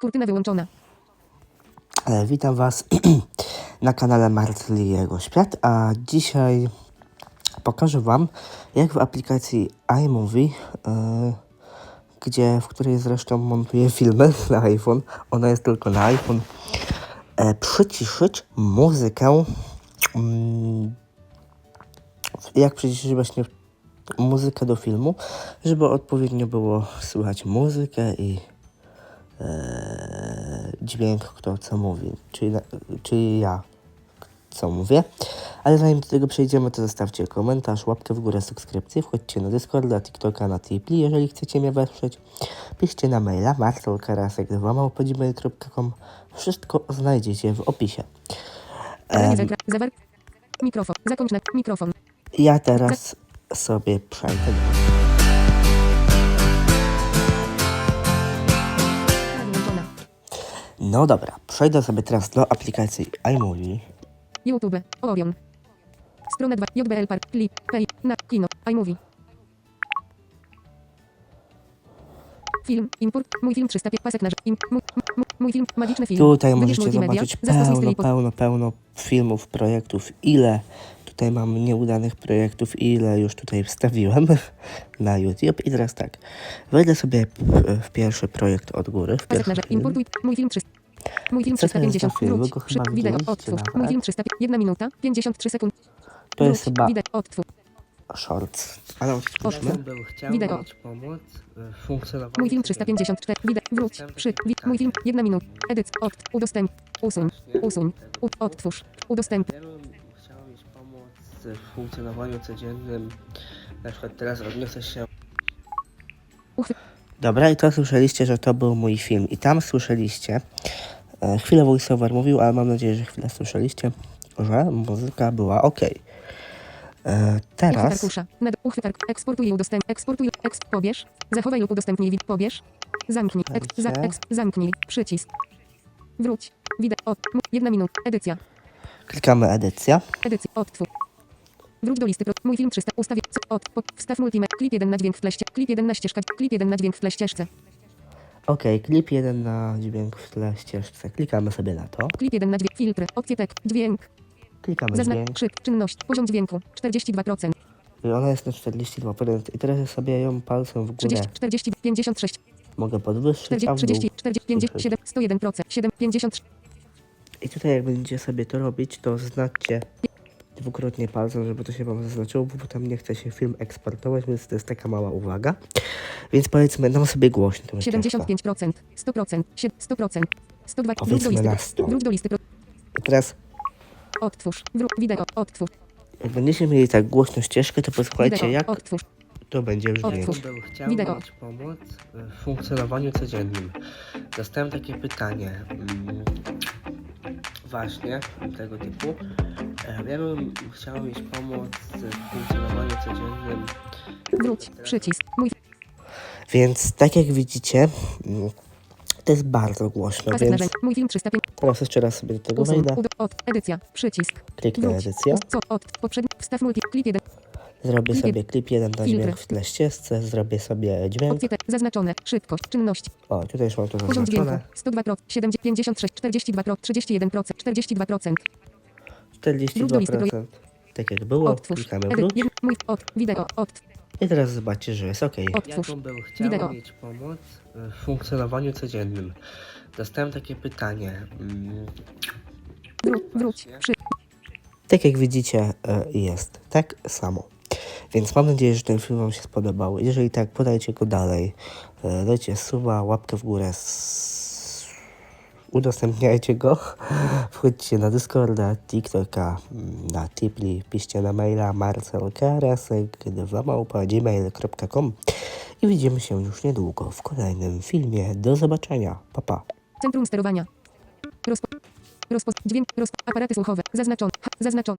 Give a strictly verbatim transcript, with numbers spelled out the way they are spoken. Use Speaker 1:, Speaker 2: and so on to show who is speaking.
Speaker 1: Kurtyna wyłączona.
Speaker 2: E, witam Was na kanale Marcel i jego świat, a dzisiaj pokażę Wam, jak w aplikacji iMovie, e, gdzie, w której zresztą montuję filmy na iPhone, ona jest tylko na iPhone, e, przyciszyć muzykę, mm, jak przyciszyć właśnie muzykę do filmu, żeby odpowiednio było słychać muzykę i e, dźwięk, kto co mówi, czyli, czyli ja co mówię. Ale zanim do tego przejdziemy, to zostawcie komentarz, łapkę w górę, subskrypcję, wchodźcie na Discorda, TikToka, na Tipli, jeżeli chcecie mnie wesprzeć. Piszcie na maila marcel karasek dwa małpa gmail kropka com. Wszystko znajdziecie w opisie.
Speaker 1: Um, Zawar... Mikrofon. Zakończ na mikrofon.
Speaker 2: Ja teraz sobie przejdę do...
Speaker 1: Wyłączona.
Speaker 2: No dobra, przejdę sobie teraz do aplikacji iMovie.
Speaker 1: YouTube. Orion. Strona dwa. J B L Park. Clip. Pay. Na. Kino. iMovie. Film. Import. Mój film trzysta pięć. Pasek na rzecz. Im, mój, mój, mój film. Magiczny film.
Speaker 2: Tutaj
Speaker 1: Wybierz
Speaker 2: możecie
Speaker 1: multimedia.
Speaker 2: zobaczyć
Speaker 1: Zastosuj styl
Speaker 2: pełno,
Speaker 1: i po-
Speaker 2: pełno, pełno filmów, projektów, ile tutaj mam nieudanych projektów, ile już tutaj wstawiłem na YouTube. I teraz tak, wejdę sobie w, w pierwszy projekt od góry, w
Speaker 1: Pasek
Speaker 2: pierwszy
Speaker 1: na rzecz.
Speaker 2: film.
Speaker 1: Importuj. Mój film trzysta. Mój film
Speaker 2: Co to
Speaker 1: trzysta
Speaker 2: jest
Speaker 1: pięćdziesiąt.
Speaker 2: za film? Wy
Speaker 1: Wróć.
Speaker 2: go
Speaker 1: Przy,
Speaker 2: chyba
Speaker 1: wideo.
Speaker 2: widzieliście
Speaker 1: Odtwórz.
Speaker 2: nawet.
Speaker 1: Mój film trzysta pięć. jedna minuta. pięćdziesiąt trzy sekund.
Speaker 2: To jest
Speaker 1: Wróć.
Speaker 2: chyba
Speaker 1: Wideo. Odtwórz.
Speaker 2: shorts. Ale odtwórzmy.
Speaker 1: Odtwórz.
Speaker 2: Chciał
Speaker 1: Wideo.
Speaker 2: mieć pomoc w funkcjonowaniu
Speaker 1: Mój film trzysta pięćdziesiąt cztery. Wideo. Wróć. Przy. Wi, mój film. jedna minuta. Edyc. Od. Udostęp. Usuń. Usuń. U, odtwórz. Udostęp.
Speaker 2: Ja bym chciał mieć pomoc w funkcjonowaniu codziennym. Na przykład teraz odniosę się...
Speaker 1: Uchwy.
Speaker 2: Dobra, i to słyszeliście, że to był mój film. I tam słyszeliście, e, chwilę voiceover mówił, ale mam nadzieję, że chwilę słyszeliście, że muzyka była ok. E,
Speaker 1: Uchwyt
Speaker 2: teraz...
Speaker 1: arkusza. Nad uchwyt ark. Eksportuj i udostęp. Eksportuj. Eksp. Pobierz. Zachowaj lub udostępnij. Wid. Pobierz. Zamknij. Eks. Za. Eks. Zamknij. Przycisk. Wróć. Wideo. Od. M- Jedna minuta. Edycja.
Speaker 2: Klikamy edycja.
Speaker 1: Edycja. Odtwórz. Wróć do listy. Pro. Mój film trzysta. Ustawię. C- Od. Po, wstaw multimedia. Klip jeden na dźwięk w tle. ście- Klip jeden na ścieżka. Klip jeden na dźwięk w tle ścieżce.
Speaker 2: Ok, klip jeden na dźwięk w tle ścieżce. Klikamy sobie na to.
Speaker 1: Klip jeden na dźwięk. Filtry. Opcje tek. Dźwięk.
Speaker 2: Klikamy
Speaker 1: Zaznacz.
Speaker 2: dźwięk.
Speaker 1: Krzyk. Czynność. Poziom dźwięku. czterdzieści dwa procent.
Speaker 2: I ona jest na czterdzieści dwa procent. I teraz sobie ją palcem w górę
Speaker 1: trzydzieści. czterdzieści. pięćdziesiąt sześć.
Speaker 2: mogę podwyższyć, a
Speaker 1: czterdzieści.
Speaker 2: w dół
Speaker 1: trzydzieści. czterdzieści. pięćdziesiąt siedem. sto jeden procent. siedem. pięćdziesiąt.
Speaker 2: I tutaj jak będziecie sobie to robić, to znaczcie dwukrotnie palcem, żeby to się Wam zaznaczyło, bo potem nie chce się film eksportować, więc to jest taka mała uwaga. Więc powiedzmy, dam sobie głośno. tą
Speaker 1: siedemdziesiąt pięć procent. sto procent. sto procent. sto dwa. Wróć do
Speaker 2: Powiedzmy
Speaker 1: listy.
Speaker 2: na sto.
Speaker 1: Wróć do listy. Pro.
Speaker 2: I teraz,
Speaker 1: Odtwórz. Wróć. Wideo. Odtwórz.
Speaker 2: jak będziecie mieli tak głośno ścieżkę, to posłuchajcie,
Speaker 1: Wideo.
Speaker 2: jak
Speaker 1: Odtwórz.
Speaker 2: to będzie brzmieć.
Speaker 1: Odtwórz.
Speaker 2: Chciał
Speaker 1: Wideo.
Speaker 2: mieć pomoc w funkcjonowaniu codziennym. Dostałem takie pytanie. mm, Właśnie tego typu. E, Ja bym chciał mieć pomoc w funkcjonowaniu codziennym.
Speaker 1: Wróć. Przycisk. Mój
Speaker 2: Więc tak jak widzicie, mm, to jest bardzo głośno,
Speaker 1: pasek
Speaker 2: więc
Speaker 1: narzędzi. Mój film trzysta pięć.
Speaker 2: teraz jeszcze raz sobie do tego
Speaker 1: Usuń.
Speaker 2: wejdę.
Speaker 1: Ud- Od. Edycja. Przycisk.
Speaker 2: Kliknę
Speaker 1: Wróć.
Speaker 2: edycję.
Speaker 1: Co? Od. Poprzedni. Wstaw multi. Klip jeden.
Speaker 2: Zrobię
Speaker 1: Klip
Speaker 2: sobie klip jeden na
Speaker 1: Filtry.
Speaker 2: dźwięk w tle ścieżce, zrobię sobie dźwięk.
Speaker 1: Opcje te. Zaznaczone. Szybkość. Czynność.
Speaker 2: O, tutaj już mam to
Speaker 1: Poziom dźwięku.
Speaker 2: zaznaczone.
Speaker 1: sto dwa procent. siedemdziesiąt. pięćdziesiąt sześć. czterdzieści dwa procent. trzydzieści jeden procent. czterdzieści dwa procent.
Speaker 2: czterdzieści
Speaker 1: Wróć do
Speaker 2: dwa
Speaker 1: listy pro-
Speaker 2: procent. Tak jak było,
Speaker 1: Odtwórz.
Speaker 2: klikamy
Speaker 1: Edy-
Speaker 2: wróć.
Speaker 1: jed- Mój. Od. Wideo. Od.
Speaker 2: I teraz zobaczcie, że jest ok.
Speaker 1: Odtwórz.
Speaker 2: Jaką bym chciał
Speaker 1: Wideo.
Speaker 2: mieć pomoc w funkcjonowaniu codziennym? Dostałem takie pytanie. mm,
Speaker 1: Wróć. Wróć. Przy.
Speaker 2: Tak jak widzicie, e, jest tak samo. Więc mam nadzieję, że ten film Wam się spodobał. Jeżeli tak, podajcie go dalej. E, Dajcie suba, łapkę w górę. s- Udostępniajcie go. Wchodźcie na Discorda, TikToka, mm, na Tipli. Piszcie na maila marcel karasek dwa małpa gmail kropka com. I widzimy się już niedługo w kolejnym filmie. Do zobaczenia. Pa, pa.
Speaker 1: Centrum sterowania. Rozpo. Rozpo. Dźwięk. Rozpo. Aparaty słuchowe. Zaznaczone. Ha, zaznaczone.